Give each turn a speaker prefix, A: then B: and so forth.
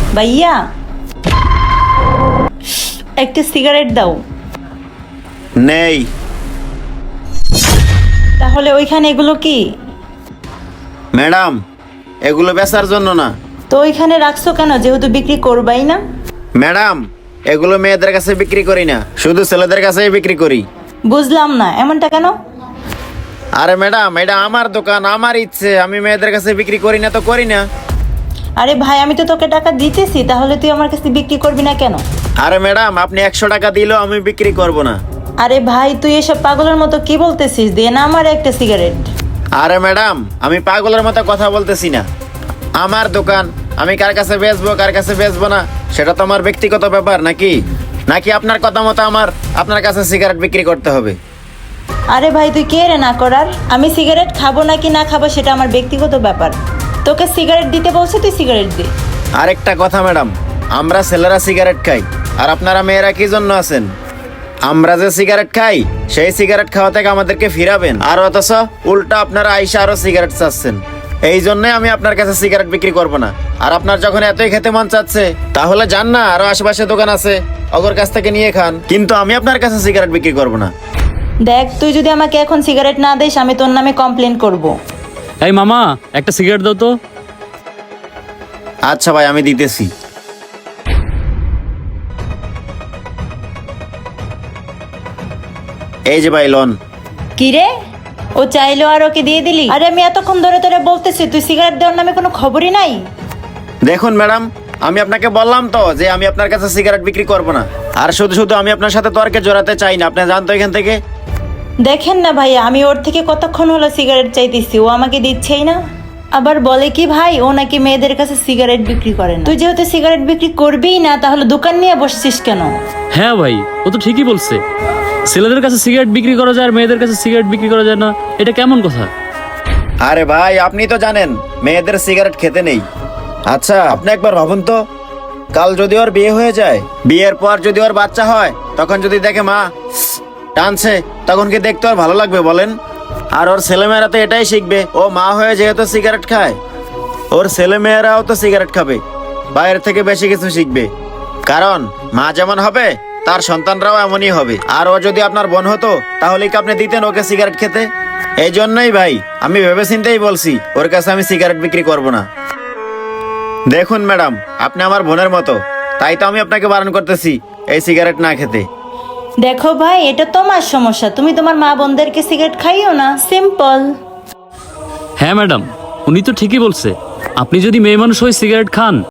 A: ভাইয়া একটা সিগারেট দাও।
B: নেই।
A: তাহলে ওইখানে এগুলো কি?
B: ম্যাডাম, এগুলো বেচার জন্য না।
A: তো ওইখানে রাখছো কেন, যেহেতু বিক্রি করবাই না?
B: ম্যাডাম, এগুলো মেয়েদের কাছে বিক্রি করি না, শুধু ছেলেদের কাছেই বিক্রি করি।
A: বুঝলাম না, এমনটা কেন?
B: আরে ম্যাডাম, এটা আমার দোকান, আমার ইচ্ছে, আমি মেয়েদের কাছে বিক্রি করি না তো করি না।
A: আরে ভাই, আমি তো তোকে টাকা দিতেছি, তাহলে তুই আমার কাছে বিক্রি করবি না কেন?
B: আরে ম্যাডাম, আপনি 100 টাকা দিলেও আমি বিক্রি করব না।
A: আরে ভাই, তুই এসব পাগলের মতো কি বলতেছিস? দে না আমার একটা সিগারেট।
B: আরে ম্যাডাম, আমি পাগলের মতো কথা বলতেছি না। আমার দোকান, আমি কার কাছে বেচবো কার কাছে বেচবো না সেটা তো আমার ব্যক্তিগত ব্যাপার, নাকি নাকি আপনার কথা মতো আমার আপনার কাছে সিগারেট বিক্রি করতে হবে?
A: আরে ভাই, তুই কে রে না করার? আমি সিগারেট খাবো নাকি না খাবো সেটা আমার ব্যক্তিগত ব্যাপার। তোকে সিগারেট দিতে বলছে, তুই সিগারেট দে।
B: আরেকটা কথা ম্যাডাম, আমরা ছেলেরা সিগারেট খাই, আর আপনারা মেয়েরা কি জন্য আছেন? আমরা যে সিগারেট খাই সেই সিগারেট খাওয়া থেকে আমাদেরকে ফিরাবেন, আর অথচ উল্টা আপনারা আইসা আরো সিগারেট চাচ্ছেন। এই জন্যই আমি আপনার কাছে সিগারেট বিক্রি করব না। আর আপনার যখন এতই খেতে মন চাচ্ছে, তাহলে যান না, আরো আশেপাশে দোকান আছে, ওগর কাছ থেকে নিয়ে খান, কিন্তু আমি আপনার কাছে সিগারেট বিক্রি করব না।
A: দেখ, তুই যদি আমাকে এখন সিগারেট না দিস, আমি তোর নামে কমপ্লেন করব।
C: এই মামা, একটা সিগারেট দাও তো।
B: আচ্ছা ভাই, আমি দিতেছি। এই যে ভাই, লোন।
A: কি রে, ও চাইলো আর ওকে দিয়ে দিলি? আরে আমি এতক্ষণ ধরে তোরে বলতেছি, তুই সিগারেট দেওয়ার নামে কোনো খবরই নাই।
B: দেখুন ম্যাডাম, আমি আপনাকে বললাম তো যে আমি আপনার কাছে সিগারেট বিক্রি করব না। আর শুধু শুধু আমি আপনার সাথে তর্কে জড়াতে চাই না, আপনি জানতো এখান থেকে।
A: দেখেন না ভাইয়া, আমি ওর থেকে কতক্ষণ হলো সিগারেট চাইতেছি, ও আমাকে দিচ্ছেই না। আবার বলে কি ভাই, ও নাকি মেয়েদের কাছে সিগারেট বিক্রি করে না। তুই যেহেতু সিগারেট বিক্রি করবিই না, তাহলে দোকান নিয়ে বসছিস কেন?
C: হ্যাঁ ভাই, ও তো ঠিকই বলছে। ছেলেদের কাছে সিগারেট বিক্রি করা যায় আর মেয়েদের কাছে সিগারেট বিক্রি করা যায় না, এটা কেমন কথা?
B: আরে ভাই, আপনি তো জানেন মেয়েদের সিগারেট খেতে নেই। আচ্ছা, আপনি একবার ভাবুন তো, কাল যদি ওর বিয়ে হয়ে যায়, বিয়ের পর যদি ওর বাচ্চা হয়, তখন যদি দেখে মা টানছে, তখন কি দেখতে ওর ভালো লাগবে বলেন? আর ওর ছেলেমেয়েরা তো এটাই শিখবে, ও মা হয়ে যেহেতু সিগারেট খায়, ওর ছেলেমেয়েরাও তো সিগারেট খাবে, বাইরের থেকে বেশি কিছু শিখবে। কারণ মা যেমন হবে, তার সন্তানরাও এমনই হবে। আর ও যদি আপনার বোন হতো, তাহলে কি আপনি দিতেন ওকে সিগারেট খেতে? এই জন্যই ভাই, আমি ভেবেচিন্তেই বলছি ওর কাছে আমি সিগারেট বিক্রি করব না। দেখুন ম্যাডাম, আপনি আমার বোনের মতো, তাই তো আমি আপনাকে বারণ করতেছি এই সিগারেট না খেতে।
A: দেখো ভাই, এটা তোমার সমস্যা, তুমি তোমার মা বোনদেরকে সিগারেট খাইও না, সিম্পল।
C: হ্যাঁ ম্যাডাম, উনি তো ঠিকই বলছে। আপনি যদি মেয়ে মানুষ হয়ে সিগারেট খান,